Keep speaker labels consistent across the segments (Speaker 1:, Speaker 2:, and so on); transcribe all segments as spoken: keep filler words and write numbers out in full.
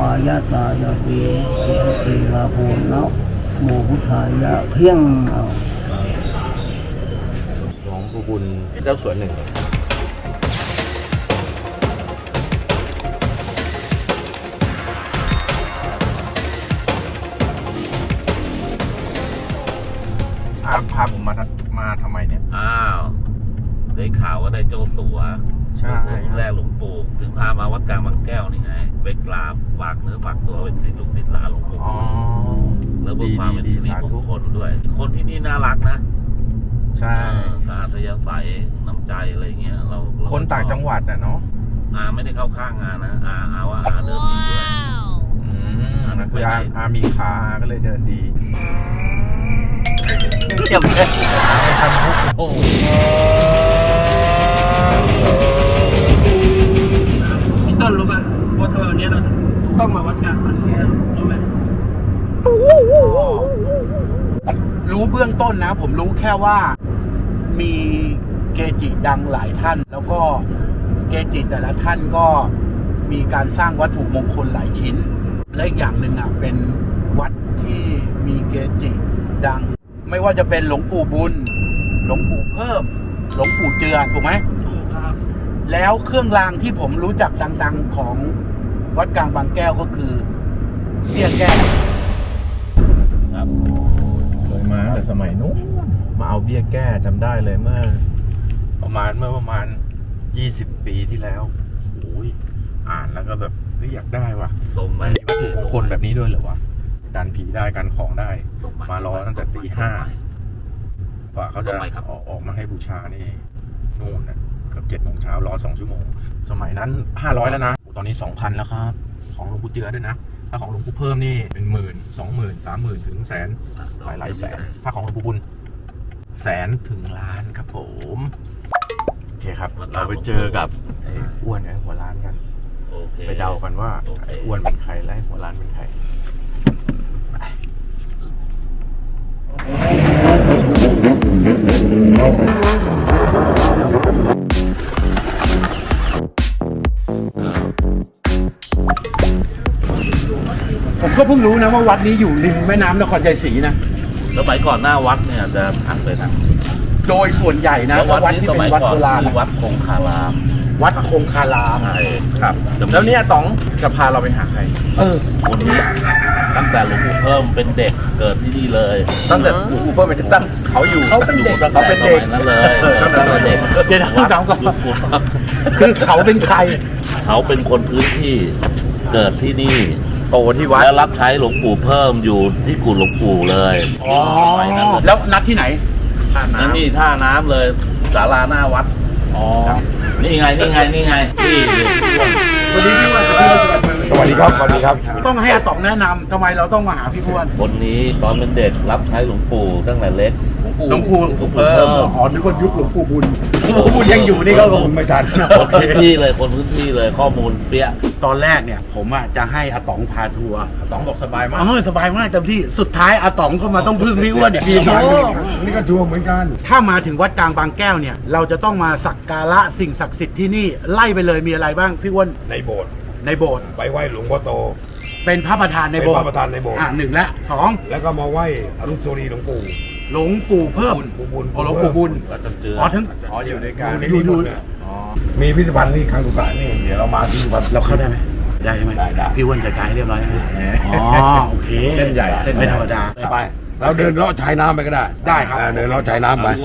Speaker 1: ายะตายะเปีเอลาโภนะโมพุทธายะเพียงเอา
Speaker 2: หลวงปู่บุญเจ้าสวนหนึ่งพาพาผมมามาทำไมเนี่ย
Speaker 3: อ้าวได้ข่าวว่าได้โจสัว
Speaker 2: ใช่
Speaker 3: แรกหลวงปู่ถึงพามาวัดกลางบางแก้วนี่ไงไปกราบฝากเนื้อฝากตัวเป็นศิษย์ลูกศิษย์หลานหลวงปู่แล้วเพื่อความเป็นสิริมงคลด้วยคนที่นี่น่ารักนะ
Speaker 2: ใช่
Speaker 3: อาทยาศัยน้ำใจอะไรเงี้ยเรา
Speaker 2: คนต่างจังหวัดอ่ะเนาะ
Speaker 3: อาไม่ได้เข้าข้างงานนะอาอาว่าอาเดินดีด้วย
Speaker 2: อืมคืออาอามีขาอาก็เลยเดินดี
Speaker 3: เยี่ยมเลย
Speaker 2: ทำมุกโอ้
Speaker 1: พี่ต้นรู้ป่ะว่าทำไมวันนี้เราต้องมาวัดกลางบางแก้วรู้ไหม
Speaker 4: รู้เบื้องต้นนะผมรู้แค่ว่ามีเกจิดังหลายท่านแล้วก็เกจิแต่ละท่านก็มีการสร้างวัตถุมงคลหลายชิ้นและอีกอย่างหนึ่งอ่ะเป็นวัดที่มีเกจิดังไม่ว่าจะเป็นหลวงปู่บุญหลวงปู่เพิ่มหลวงปู่เจือถูกไหมถูกครับแล้วเครื่องรางที่ผมรู้จักดังๆของวัดกลางบางแก้วก็คือเบี้ยแก้ว
Speaker 3: ครับ
Speaker 2: เคยมาแต่สมัยนู้นมาเอาเบี้ยแก้จำได้เลยเมื่อประมาณเมื่อประมาณยี่สิบปีที่แล้วโอ้ยอ่านแล้วก็แบบเฮ้ยอยากได้ว่ะ
Speaker 3: ตรงไหม
Speaker 2: วัตถุมงคลแบบนี้ด้วยเหรอวะการผีได้การของได้มารอตั้งแต่ตีห้ากว่าเขาจะออกออกมาให้บูชานี่นู่นนะเกือบเจ็ดโมงเช้ารอสองชั่วโมงสมัยนั้นห้าร้อยแล้วนะตอนนี้สองพันแล้วครับของหลวงปู่เจือด้วยนะถ้าของหลวงปู่เพิ่มนี่เป็นหมื่นสองหมื่นสามหมื่นถึงแสนหลายหลายแสนถ้าของหลวงปู่บุญแสนถึงล้านครับผมโอเคครับเราไปเจอกับไอ้อ้วนไอ้หัวล้านกันไปเดากันว่าไอ้อ้วนเป็นใครและหัวล้านเป็นใคร
Speaker 4: ผมก็เพิ่งรู้นะว่าวัดนี้อยู่ริมแม่น้ำนครชัยศรีนะ
Speaker 3: สมัยก่อนหน้าวัดเนี่ยจะอัดเลยนะ
Speaker 4: โดยส่วนใหญ่นะวัดที่เป็นวัดโบราณ
Speaker 3: วัดคงคาราม
Speaker 4: วัดคงคาราม
Speaker 3: ใช่
Speaker 2: ครับแล้วเนี่ยต๋องจะพาเราไปหาใคร
Speaker 4: เออ
Speaker 3: คนนี้ตั้งแต่หลวงปู่เพิ่มเป็นเด็กเกิดที่นี่เลย
Speaker 2: ตั้งแต่หลวงปู่เพิ่มเป็นตั้งเขาอยู่
Speaker 4: เขาเป็นเด็ก
Speaker 3: เขาเป็นเด็กนั่นเลยตั้งแต่เด็ก
Speaker 4: เดี๋ยวต้องถามก่อนคือเขาเป็นใคร
Speaker 3: เขาเป็นคนพื้นที่เกิดที่นี่
Speaker 2: โตที่วัด
Speaker 3: แล้วรับใช้หลวงปู่เพิ่มอยู่ที่กุฏหลวงปู่เลย
Speaker 4: อ๋อแล้วนัดที่ไหน
Speaker 3: ท่าน้ำนี่ท่าน้ำเลยศาลาหน้าวัด
Speaker 4: อ๋อ
Speaker 3: นี่ไงนี่ไงนี่ไงนี่
Speaker 4: วันนี้พี่อ้วนกับพี่
Speaker 2: สวัสดีครับสวัสดีครับ
Speaker 4: ต้องให้อาต๋องแนะนำทำไมเราต้องมาหาพี่อ้วน
Speaker 3: คนนี้ตอนเป็นเด็กรับใช้หลวงปู่ตั้งแต่เล็ก
Speaker 4: หลวงปู่หลวงปู่เพิ่มอ๋อนี่คนยุคหลวงปู่บุญหลวงปู่บุญยังอยู่นี่ก็คงไม่ทัน
Speaker 3: พื้นที่เลยคนพื้นที่เลยข้อมูลเปี้ย
Speaker 4: ตอนแรกเนี่ยผมอ่ะจะให้อาต๋องพาทัวร์
Speaker 2: อาต๋องบอกสบายมาก
Speaker 4: เออสบายมากเต็มที่สุดท้ายอาต๋องก็มาต้องพึ่งพี่อ้วนอีกที
Speaker 2: นี่ก็ทัวร์เหมือนกัน
Speaker 4: ถ้ามาถึงวัดกลางบางแก้วเนี่ยเราจะต้องมาสักการะสิ่งศักดิ์สิทธิ์ที่นี่ไล่ไปเลยมีอะไรบ้างพี่อ้วน
Speaker 5: ในโบสถ์
Speaker 4: ในโบสถ์
Speaker 5: ไปไหว้หลวงพ่อโต
Speaker 4: เป็นพระประธานในโบสถ์
Speaker 5: พระประธานในโบสถ์
Speaker 4: อ่าหนึ่งและสอง
Speaker 5: แล้วก็มาไหว้อนุสาวรีย์หลวงปู่
Speaker 4: หลวงปู่เพิ่ม
Speaker 5: ปู่บุญ
Speaker 4: อ๋อหลวงปู่บุญอ๋อทั้ง
Speaker 2: อ๋ออยู่ในการ
Speaker 4: อยู่ดู
Speaker 5: มีพิพิธภัณฑ์นี่ครั้งสุดท้ายนี่เดี๋ยวเรามาพิพิธภัณฑ์
Speaker 4: เราเข้าได้ไหมได้ไหม
Speaker 5: ได้ได้
Speaker 4: พี่อ้วนจัดการให้เรียบร้อยอ๋อโอเค
Speaker 2: เส้นใหญ่เส้น
Speaker 4: ไม่ธรรมดา
Speaker 5: ไปเราเดินเลาะชายน้ำไปก็ได้
Speaker 4: ได้ครับ
Speaker 5: เดินเลาะชายน้ำไป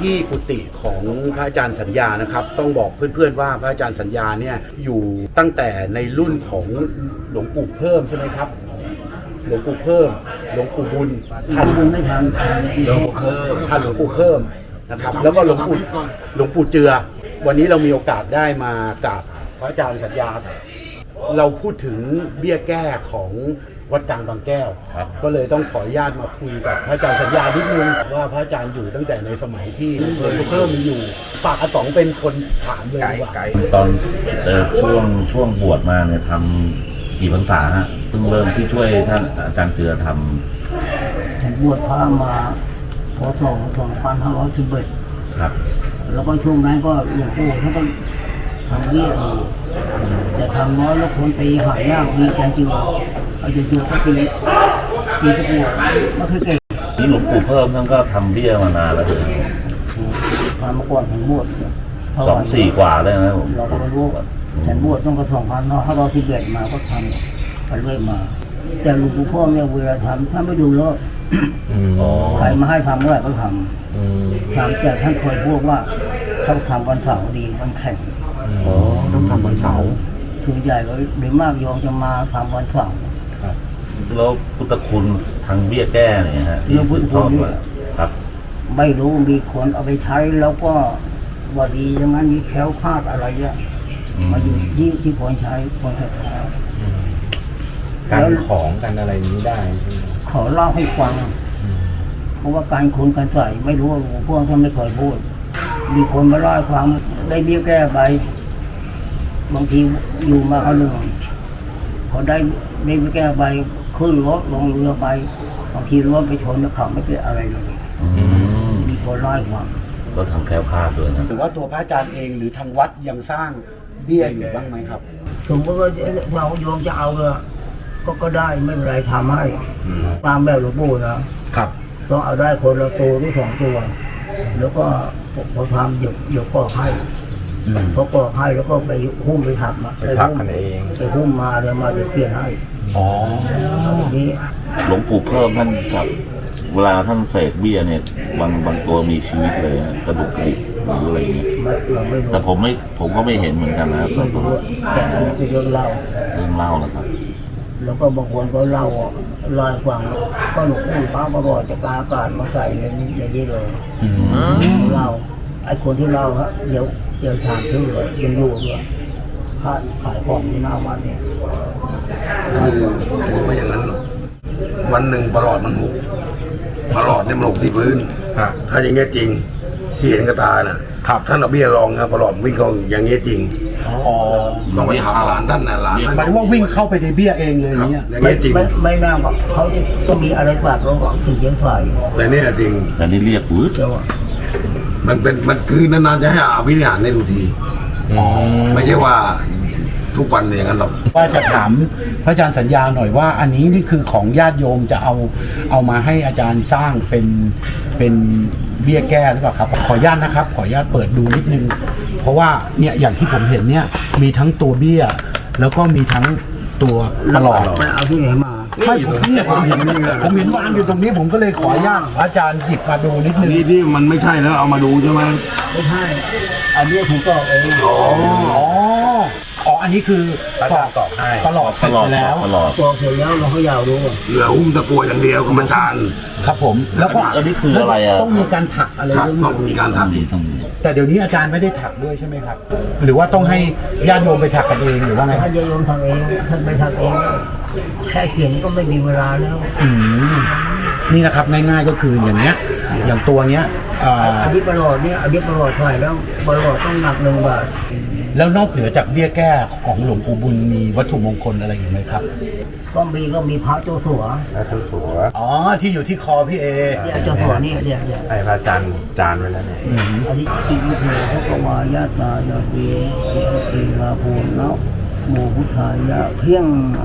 Speaker 4: ที่กุฏิของพระอาจารย์สัญญานะครับ ต้องบอกเพื่อนๆว่าพระอาจารย์สัญญาเนี่ยอยู่ตั้งแต่ในรุ่นของหลวงปู่เพิ่มใช่ไหมครับหลวงปู่เพิ่มหลวงปู่บุญท่าน
Speaker 1: บุญไม่ทันทัน
Speaker 4: หลวงปู่เพิ่มท่านหลวงปู่เพิ่มนะครับ แล้วก็หลวงปู่หลวงปู่เจือ วันนี้เรามีโอกาสได้มากราบพระอาจารย์สัญญา เราพูดถึงเบี้ยแก้ของวัดกลางบางแก้ว
Speaker 3: ครับ
Speaker 4: ก็เลยต้องขออนุญาตมาคุยกับพระอาจารย์สัญญานิดนึงว่าพระอาจารย์อยู่ตั้งแต่ในสมัยที่หลวงปู่เพิ่มมีอยู่ฝากอาต๋องเป็นคนถามเลยดีกว่า
Speaker 3: ตอนเอ่อช่วงช่วงบวชมาเนี่ยทำกี่พรรษาฮะเพิ่งเริ่มที่ช่วยท่านอาจารย์เจือท
Speaker 1: ฉันบวชพระมาพศสองพันห้าร้อยสิบเอ็ด
Speaker 3: ำครับ
Speaker 1: แล้วก็ช่วงนั้นก็หลวงปู่เขาก็ทำเบี้ยอยู่แต่ทำน้อยแล้วคนตีหายากมีใจจริงเอาจริงๆก็ตีตีตะกั่วไม่เคยเก่ง
Speaker 3: นี่หลวงปู่เพิ่มท่านก็ทำเบี้ยมานานแล้วเลย
Speaker 1: ทำมาก่อนฉันบวช
Speaker 3: สองสี่กว่าเลยนะผม
Speaker 1: เราก็ไม่รู้ว่าฉันบวชต้องกระสองพันห้าร้อยสิบเอ็ดมาก็ทำไปเรื่อยมา แต่หลวงปู่พ่อเนี่ยเวลาทำท่านไม่ดูแล้ว
Speaker 3: อ๋อ
Speaker 1: ใครมาให้ทำเมื่อไหร่ก็ทำทำแต่ท่านเคยพูดว่าเขาทำวันเสาร์ดีวันแข่ง
Speaker 4: อ๋อต้องทำวันเสาร์
Speaker 1: ส่วนใหญ่ก็หรือมากโยมจะมาทำวันเสาร์
Speaker 3: แล้วพุทธคุณทางเบี้ยแก้เนี่ยฮะที่
Speaker 1: เรื่องพุทธคุณเนี่ย
Speaker 3: ครับ
Speaker 1: ไม่รู้มีคนเอาไปใช้แล้วก็ว่าดีอย่างนั้นมีแคล้วคลาดอะไรเงี้ย
Speaker 3: อืม
Speaker 1: มาอยู่ที่ที่คนใช้คนศรัทธา
Speaker 2: การของกันอะไรนี้ได้
Speaker 1: ขอเล่าให้ฟัง เพราะว่าการคุณการใส่ไม่รู้ว่าหลวงพ่อท่านไม่เคยพูด มีคนมาเล่าให้ฟังได้เบี้ยแก้ไปบางทีอยู่มาเขาหนึ่งพอได้ได้เบี้ยแก้ไปขึ้นรถลงเรือไปบางทีรถไปชนแล้วเขาไม่เป็นอะไรเลย
Speaker 3: อืม
Speaker 1: มีคนเล่าให้ฟัง
Speaker 3: ก็ทำแคล้วคลาดด้วยนะ
Speaker 4: หรือว่าตัวพระอาจารย์เองหรือทางวัดยังสร้างเบี้ยอยู่บ้างไหมครับ
Speaker 1: สมมติว่าเราโยมจะเอาเลยก็ก็ได้ไม่เป็นไรทำให้ตามแบบหลวงปู่นะครับ ต้องเอาได้คนละตัวหรือสองตัว แล้วก็พอทำเดี๋ยวเดี๋ยวปอกให้พอปอกให้แล้วก็ไปหุ้มไปถักมา
Speaker 2: ไปถักกันเอง
Speaker 1: ไปหุ้มมาเดี๋ยวมาเดี๋ยวเปลี่ยนให้
Speaker 4: อ๋อ
Speaker 1: ทีนี้
Speaker 3: หลวงปู่เพิ่มท่านครับเวลาท่านเสกเบี้ยเนี่ยบางบางตัวมีชีวิตเลยนะกระดูกกระดิกหรืออะไรเงี้ย
Speaker 1: ไม่เราไม่รู้
Speaker 3: แต่ผมไม่ผมก็ไม่เห็นเหมือนกันนะครับ
Speaker 1: ไม่รู้แต่อันนี้เป็นเรื่องเล่า
Speaker 3: เรื่องเล่านะครับ
Speaker 1: แล้วก็บางคนก็เล่าเล่าให้ฟังก็หลวงปู่ป้ามาบอกจะกาอากาศมาใส่ในนี้ในนี้เลยเล่าไอ้คนที่เล่าฮะเดี๋ยวเดี๋ยวถามชื่อเลยยังอยู่ด้วยขายขายของที่หน้าวัดเนี่ย
Speaker 6: คือถือไม่อย่างนั้นหรอกวันหนึ่งประหลอดมันหกประหลอดเนี่ยมันหกที่พื้น
Speaker 2: ครับ
Speaker 6: ถ้าอย่างเงี้ยจริงที่เห็นกับตานะครับ ท่านเอาเบี้ยรองครับประหลอดวิ่งเข้าอย่างเงี้ยจริง
Speaker 4: อ๋อ
Speaker 6: ต้องไปถามหลานท่านนะหลาน
Speaker 4: หมายถึงว่าวิ่งเข้าไปในเบี้ยเองเลยอ
Speaker 6: ครั
Speaker 4: ย่า
Speaker 6: บ
Speaker 4: งเงี้ย
Speaker 6: อย่าง
Speaker 1: ไม่
Speaker 6: เงี้ยจริง
Speaker 1: ไม่ไม่น่าว่าเขาจะต้องมีอะไรฝากเราก่อนถึงจะฝ่าย
Speaker 6: แต่เนี่ยจริง
Speaker 3: แต่นี่เรียกวืด
Speaker 1: เดี๋ยวอะ
Speaker 6: มันเป็นมันคือนานๆจะให้อาวิหารในดูทีไม่ใช่ว่าทุกวันเนี่ยอย่างนั้นหรอก
Speaker 4: ว่าจะถามพระอาจารย์สัญญาหน่อยว่า อันนี้นี่คือของญาติโยมจะเอาเอามาให้อาจารย์สร้างเป็นเป็นเบี้ยแก้หรือเปล่าครับ ขออนุญาตนะครับ ขออนุญาตเปิดดูนิดนึง เพราะว่าเนี่ยอย่างที่ผมเห็นเนี่ยมีทั้งตัวเบี้ย แล้วก็มีทั้งตัวประหลอด
Speaker 1: ไปเอาที่ไหนมา
Speaker 4: ไม่ผมเนี่ยผมเห็นผมเห็นวางอยู่ตรงนี้ผมก็เลยขออนุญาตพระอาจารย์หยิบมาดูนิดนึง
Speaker 6: นี่ที่มันไม่ใช่แล้วเอามาดูใช่ไหม
Speaker 1: ไม่ใช่อันนี้ผมตอกเอง
Speaker 4: อ๋ออ๋ออันนี้คือ
Speaker 2: พระอาจารย์ตอกให้
Speaker 4: ประหลอดเส
Speaker 3: ต
Speaker 4: ร็จ
Speaker 3: ลอด
Speaker 4: ไปแล้ว
Speaker 3: ตลอด
Speaker 1: ตอกเสร็จแล้วเราก็ยาวดู
Speaker 6: เหลือหุ้มตะกัวอย่างเดียวกับมันจาน
Speaker 4: ครับผมแล้วก็
Speaker 3: อันนี้คืออะไรอ่ะ
Speaker 4: ต้องมีการถักอะไร
Speaker 6: ครับ
Speaker 4: ด้วย
Speaker 6: ต้องมีการ
Speaker 3: ต้อง
Speaker 6: ทำ
Speaker 3: มีต้องมี
Speaker 4: แต่เดี๋ยวนี้อาจารย์ไม่ได้ถักด้วยใช่ไหมครับ หรือว่าต้องให้ญาติโยมไปถักกันเองหรือว่าไงค
Speaker 1: ถ้า
Speaker 4: รับ
Speaker 1: จะโยมทำเองท่านไปทำเองแค่เขียนก็ไม่มีเวลาแล้ว
Speaker 4: อืมนี่นะครับง่ายๆก็คืออย่างเนี้ย อย่างตัวเนี้ยเอ่อ
Speaker 1: อันนี้ประหลอดเนี่ยอันนี้ประหลอดเท่าไหร่แล้วประหลอดต้องหนักหนึ่งบาท
Speaker 4: แล้วนอกเหนือจากเบี้ยแก้ของหลวงปู่บุญมีวัตถุมงคลอะไรอยู่ไหมครับ
Speaker 1: ก็มีก็มีพระเจ้าสัว
Speaker 2: แล้วทุกสัว
Speaker 4: อ๋อที่อยู่ที่คอพี่เอ
Speaker 1: เนี่ยเจ้าสัวนี่เนี่ยเนี่ย
Speaker 2: ให้พระอาจารย์จานไว้แล้วเนี่ย
Speaker 4: อืม
Speaker 1: อันนี้อิมิโภภควายาตายาเตเอลาโภนะโมพุทธายะเพียงเอา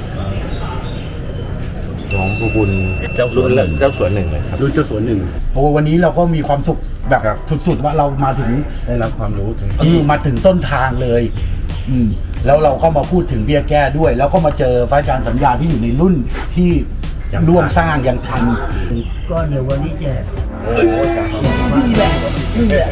Speaker 2: หลวงปู่บุญ
Speaker 3: เจ้าสวนหนึ่ง
Speaker 2: เจ้าสวนหนึ่งเลยครับ
Speaker 4: รุ่นเจ้าสวนหนึ่งโอ้วันนี้เราก็มีความสุขแบบ
Speaker 2: ครับ
Speaker 4: สุดๆว่าเรามาถึง
Speaker 2: ได้รับความรู้ถึง
Speaker 4: เออมาถึงต้นทางเลย อืมแล้วเราก็มาพูดถึงเบี้ยแก้ด้วย แล้วก็มาเจอพระอาจารย์สัญญาที่อยู่ในรุ่นที่ร่วมสร้างยังทัน
Speaker 1: ก็เดี๋ยววันนี้แจก
Speaker 2: โอ้โห
Speaker 1: นี่แหละนี่แหละ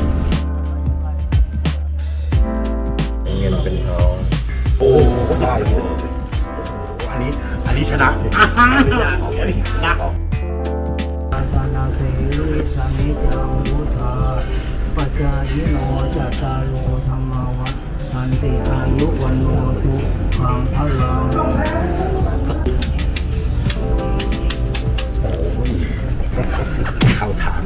Speaker 2: เงินเป็นทอง
Speaker 4: โอ้ได้เลยอันนี้อันนี้ชนะอ่าอันนี้ชนะ
Speaker 1: อาสานาเสวิสามิจังพุทธาปัจจายิโนจัตตาโลธรรมวัฏทันติอายุวันโนสุขังพลัง
Speaker 4: เข้าทาง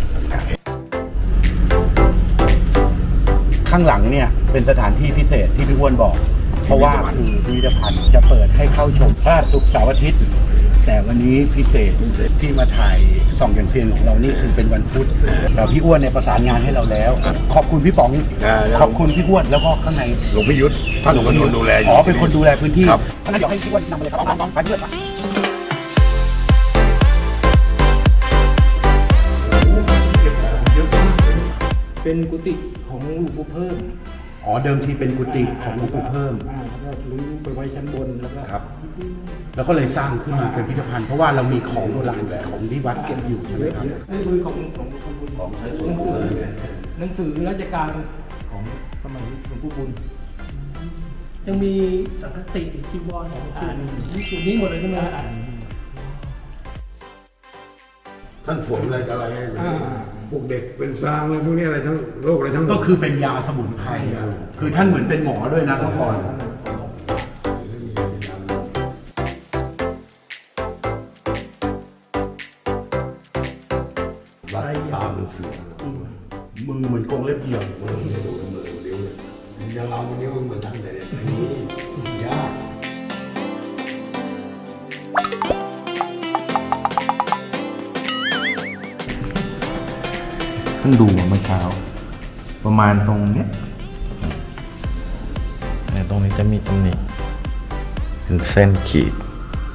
Speaker 4: ข้างหลังเนี่ยเป็นสถานที่พิเศษที่พี่อ้วนบอก เพราะว่าคือพิพิธภัณฑ์จะเปิดให้เข้าชมพระศุกร์เสาร์อาทิตย์ แต่วันนี้พิเศษที่มาถ่ายส่องอย่างเซียนของเรานี่คือเป็นวันพุธแต่พี่อ้วนเนี่ยประสานงานให้เราแล้ว ขอบคุณพี่ป๋อง ขอบคุณพี่อ้วนแล้วก็ข้างใน
Speaker 6: หลวงพิยุทธท่านหลวงพิยุทธดูแลอยู่
Speaker 4: อ๋อเป็นคนดูแลพื้นที่
Speaker 6: ครับ
Speaker 4: ท่านนายกให้พี่อ้วนนำมาเลยครับน้องๆไปเพื่อน
Speaker 7: เป็นกุฏิของหลวงปู่เพิ่ม
Speaker 4: อ๋อเดิมทีเป็นกุฏิของหลวงปู่เพิ่ม
Speaker 7: อ่าแล้วก็รื้อไปไว้ชั้นบนแล้วก็
Speaker 4: ครับ แล้วก็เลยสร้างขึ้นมาเป็นพิพิธภัณฑ์เพราะว่าเรามีของโบราณของที่วัดเก็บอยู่ใช่ไหมครับ
Speaker 7: นี่คือของของของของหนังสือหนังสือราชการของสมัยหลวงปู่บุญ ยังมีสังฆติจีวรของอ่านนี่คือนี้หมดเลยใช่ไหมอ่าน
Speaker 6: ท่านฝนอะไรต่ออะไรให้พวกเด็กเป็นซางอะไรพวกนี้อะไรทั้งโรคอะไรทั้งหมด
Speaker 4: ก็คือเป็นยาสมุนไพรคือท่านเหมือนเป็นหมอด้วยนะทุกคน
Speaker 6: รัดตามหนังสือ
Speaker 4: มือเหมือนกรงเล็บเหี่ยว
Speaker 6: มือมือมือนิ้วเลยอย่างเราวันนี้มันเหมือนท่านเลยเนี่ยอันนี้ยาก
Speaker 2: เพิ่งดูเมื่อเช้า ประมาณตรงเนี้ยเนี่ยตรงนี้จะมีตำหนิเป็นเส้นขีด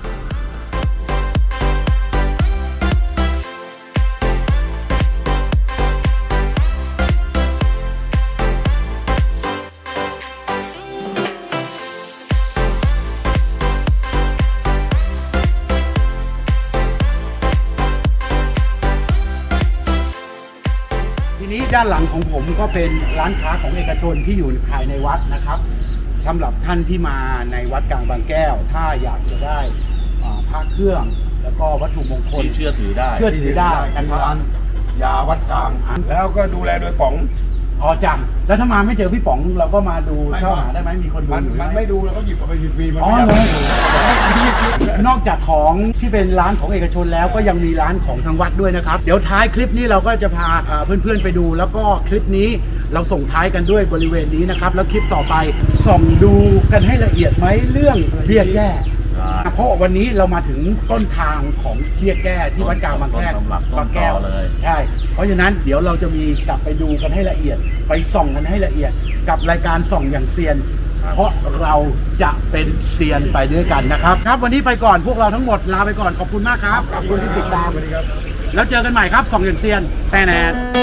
Speaker 4: ทีนี้ด้านหลังของผมก็เป็นร้านค้าของเอกชนที่อยู่ภายในวัดนะครับสำหรับท่านที่มาในวัดกลางบางแก้ว ถ้าอยากจะได้อ่าพระเครื่องแล้วก็วัตถุมงคล
Speaker 3: ที่เชื่อถือได้
Speaker 4: เชื่อถือได้นะครับ
Speaker 6: ร้านยาวัดกลาง แล้วก็ดูแลโดยป๋อง
Speaker 4: อ๋อจังแล้วถ้ามาไม่เจอพี่ป๋องเราก็มาดู
Speaker 6: ไม่
Speaker 4: เข้าหา
Speaker 6: ไม่
Speaker 4: ได้ไหมมีคนดู
Speaker 6: มัน
Speaker 4: อยู่
Speaker 6: มัน
Speaker 4: ไห
Speaker 6: ไม่ดูแล้วก็หยิบเอาไปฟรีๆมัน
Speaker 4: อ๋อ
Speaker 6: ไม่
Speaker 4: เล
Speaker 6: ได้
Speaker 4: ยนอกจากของที่เป็นร้านของเอกชนแล้วก็ยังมีร้านของทางวัดด้วยนะครับ เดี๋ยวท้ายคลิปนี้เราก็จะพาเอ่อเพื่อนๆไปดู แล้วก็คลิปนี้เราส่งท้ายกันด้วยบริเวณนี้นะครับ แล้วคลิปต่อไปส่องดูกันให้ละเอียดไหมเรื่องเบี้ยแก้เพราะวันนี้เรามาถึงต้นทางของเบี้ยแก้ที่วัดกลางบางแก้ว
Speaker 3: ต้นตำรับต้นตอ
Speaker 4: บางแก้ว
Speaker 3: เลย
Speaker 4: ใช่ เพราะฉะนั้นเดี๋ยวเราจะมีกลับไปดูกันให้ละเอียด ไปส่องกันให้ละเอียด กับรายการส่องอย่างเซียน เพราะเราจะเป็นเซียนไปด้วยกันนะครับ ครับวันนี้ไปก่อนพวกเราทั้งหมดลาไปก่อนขอบคุณมากครับขอบคุณที่ติดตามแล้วเจอกันใหม่ครับส่องอย่างเซียนแต่แน่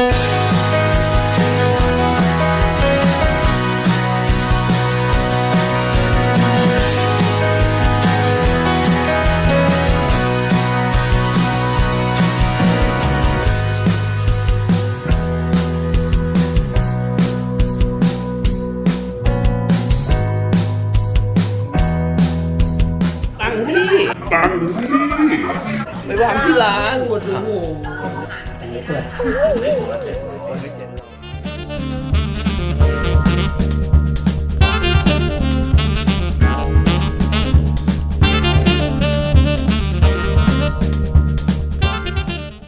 Speaker 7: ตั้งที่ตั้งที่ไปวางที่ร้านโอ้โห
Speaker 1: อันนี้เปิด